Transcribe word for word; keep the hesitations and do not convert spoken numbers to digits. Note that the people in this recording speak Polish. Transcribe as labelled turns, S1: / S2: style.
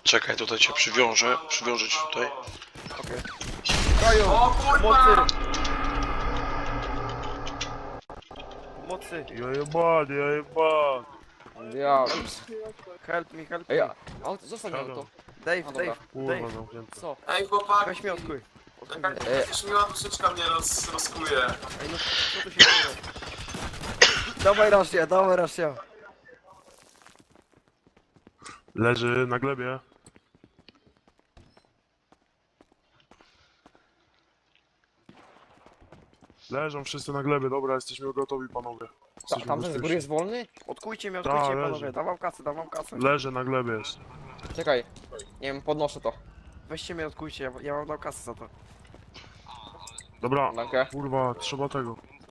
S1: Czekaj, tutaj cię przywiążę. Przywiążę cię tutaj.
S2: Okej. Kaju!
S3: O kurwa!
S2: Mocy! Mocy!
S4: Ja jebany, ja jebany.
S5: Ja.
S2: Help me, help
S5: Ej,
S2: me.
S5: a, auto, zostań mi auto.
S2: Dave,
S5: No dobra.
S2: Dave,
S4: Kurwa
S2: Dave.
S4: zamknięte.
S5: Co?
S3: Ej chłopaki!
S2: Weź mnie odkuj.
S3: Jakaś
S5: E.
S3: jakaś miła duszyczka mnie roz, rozkuje.
S2: Ej, no co tu się dzieje? Dawaj Rosja, dawaj Rosja.
S4: Leży na glebie. Leżą wszyscy na glebie, dobra, jesteśmy gotowi panowie.
S5: Ta,
S4: Jesteśmy
S5: tamten z góry
S4: bezpieczni.
S5: jest wolny?
S2: Odkujcie mnie,
S4: Ta,
S2: odkujcie
S4: leży.
S2: panowie. Dawam kasę, dawam kasę.
S4: Leży na glebie jest.
S5: Czekaj. Nie wiem, podnoszę to.
S2: Weźcie mnie, odkujcie, ja, ja wam dał kasę za to.
S4: Dobra,
S5: Dankę.
S4: kurwa, trzeba tego.